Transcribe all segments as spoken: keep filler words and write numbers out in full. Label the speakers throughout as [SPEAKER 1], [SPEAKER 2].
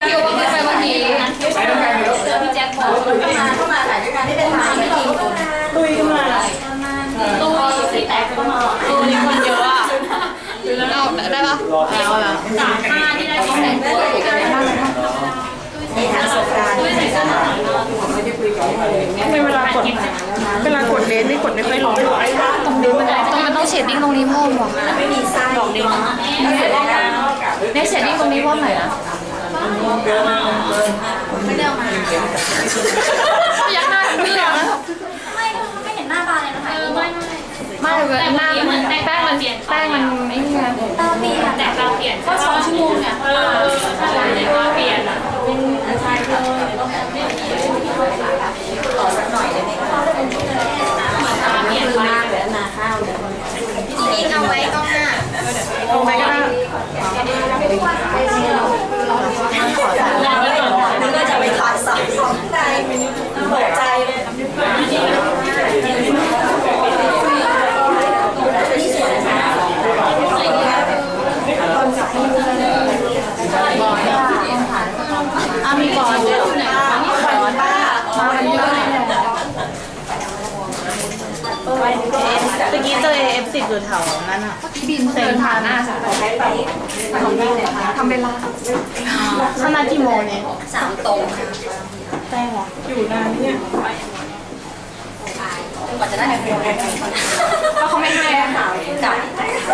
[SPEAKER 1] ที่ว่าไปเมื่อกี้เจอพี่แจ็คบอกเข้ามาเข้ามาถ่ายด้วยกันที่เป็นถ่ายไม่จริงตุยเข้ามาตุยสีแตกก็มาตุยคนเยอะอ่ะเอาได้ปะเอาละสามห้าที่ได้ของแต่งตัวกันได้บ้างในทางสงการตุยใส่เสื้อหนาไม่ได้คุยกันไม่เวลากดเวลากดเลนนี่กดไม่ค่อยลงตรงนี้มันต้องมันต้องเชดดิ้งตรงนี้เพิ่มว่ะไม่มีไส้ดอกเดียวในเชดดิ้งตรงนี้เพิ่มหน่อยนะไม่ได้เอามายักหน้าเพื่อนไม่ไม่เห็นหน้าบานเลยนะคะไม่ไม่ไม่แต่หน้ามันแป้งมันแป้งมันไม่เงี้ยตาเปลี่ยนแต่ตาเปลี่ยนก็สองชั่วโมงเนี่ยเออใช่แต่ตาเปลี่ยนอ่ะใช่เลยต่อสักหน่อยได้ไหมคะตาเปลี่ยนมากเลยนาข้าวเนี่ยพี่เอาไว้กล้องหน้าเอาไว้ก็ได้นึกว่าจะไปถ่ายสับของในตกใจเลยนี่สวยนะอามีก่อนด้วยไหนนี่ก่อนป้ามาเยอะเลยเมื่อกี้เจอ เอ เอฟ สิบ อยู่แถวนั้นอ่ะบินเซ็นผ่านหน้าสทำเวลาขนาดกี่โมงเนี่ยสามตรงแป้งเหรออยู่นานเนี่ยกว่าจะได้เงินก็เขาไม่ให้ค่ะจับ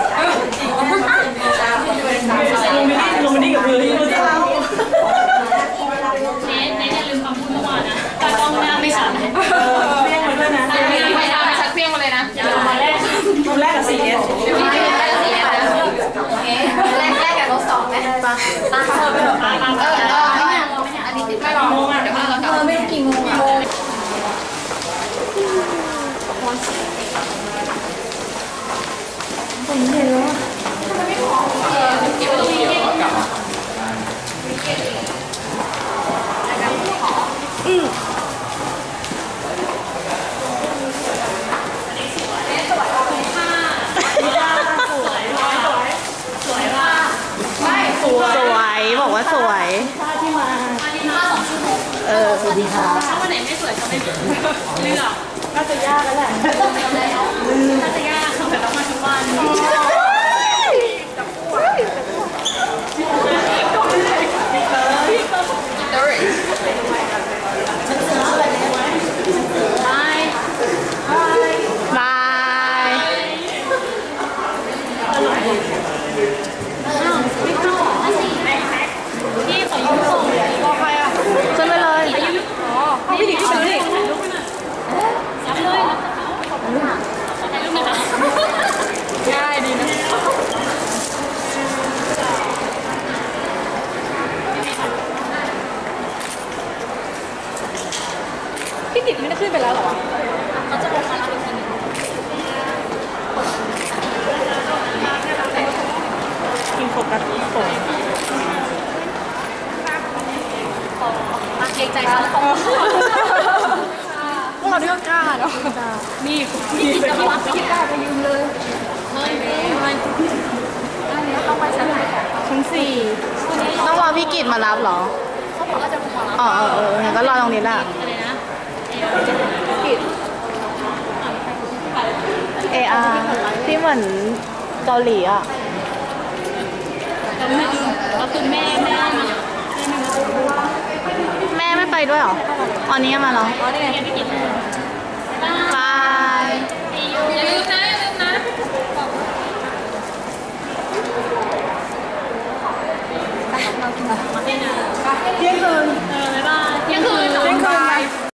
[SPEAKER 1] ลงมาดีกับพื้นที่รู้จักเน้นเน้นอย่าลืมคำพูดเมื่อวานนะตากล้องหน้าไม่ชัดเปี้ยงมาด้วยนะไม่ได้ชัดเปี้ยงมาเลยนะมาแรกมาแรกกับ ซี เอส พี่แรกกับ ซี เอส โอเคแรกแรกกับรถสองไหมปะปะเออเออเอออันนี้ไม่รอเดี๋ยวเรากลับไม่กี่โมงอ่ะผมเห็นแล้วเก็บไว้ตรงนี้กลับอืมสวยบอกว่าสวยเออสวัสดีค่ะถ้าวันไหนไม่สวยก็ไม่เลือกน่าจะยากแล้วแหละน่าจะยากแต่ต้องมาทุกวันบายบายพี่ขอยืมส่งบอกใครอ่ะขึ้นไปเลยอ๋อพี่ดิขึ้นไปเลยยับเลยขอบคุณค่ะถ่ายรูปนะคะง่ายดีนะพี่ติดไม่ได้ขึ้นไปแล้วหรอเขาจะลงมาแล้วอีกทีนึงกินโฟกัสโฟมาเกรงใจเขาเขาพวกเราเลือกกล้าเนาะนี่นี่กินจะรับคิดกล้าไปยืมเลยไม่ไม่ต้องไปชั้นไหนชั้นสี่ต้องรอพี่กิตมารับเหรอเขาบอกว่าจะมารับอ๋อเออเอองั้นก็รอตรงนี้แหละอะไรนะกิตเออาร์ที่เหมือนเกาหลีอ่ะก็คือแม่แม่แม่ไม่ไปด้วยหรอตอนนี้มาเหรออ๋อนี่ไงบายอย่าลืมนะอย่าลืมนะเที่ยงคืนเออบ๊ายบายเที่ยงคืนเที่ยงคืน